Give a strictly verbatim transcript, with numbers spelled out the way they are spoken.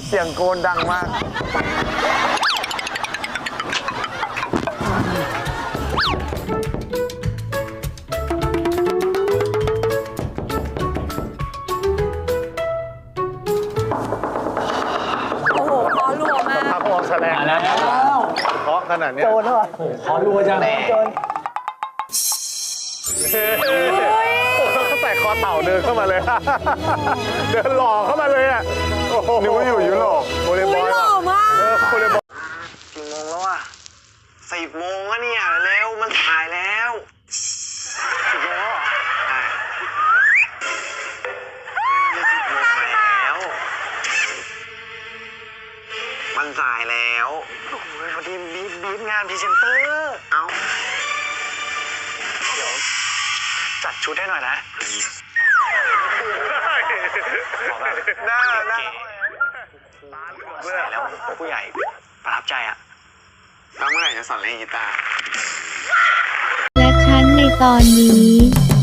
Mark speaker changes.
Speaker 1: เสียงโกนดังมาก
Speaker 2: โอ้โหคอรัวมาก
Speaker 1: พักวงแสดงนะเพราะขนาดนี้โจนเหรอโอ้โหขอรัวจังโจนเขาใส่คอเต่าเดินเข้ามาเลย เดินหล่อเข้ามาเลยอ่ะนึกว่าอยู่ยุโรปโวลเลย์บอล
Speaker 2: หล่อมาก
Speaker 1: เออโวลเลย์บอล
Speaker 3: กี่โมงแล้วอ่ะสิบโมงแล้วเนี่ยเร็วมันถ่ายแล้วสิบโมงแล้วเหรอใช่สิบโมงแล้วมันสายแล้วโอ้โหพอดีบีบบีบงานพรีเซนเตอร์เอาเดี๋ยวจัดชุดให้หน่อยนะขอแบบ
Speaker 1: หน้าหน้า
Speaker 3: เพื่อแล้วผู้ใหญ่ประทับใจอะแล้วเมื่อไหร่จะสอนเล่นกีตาร์
Speaker 4: และฉันในตอนนี้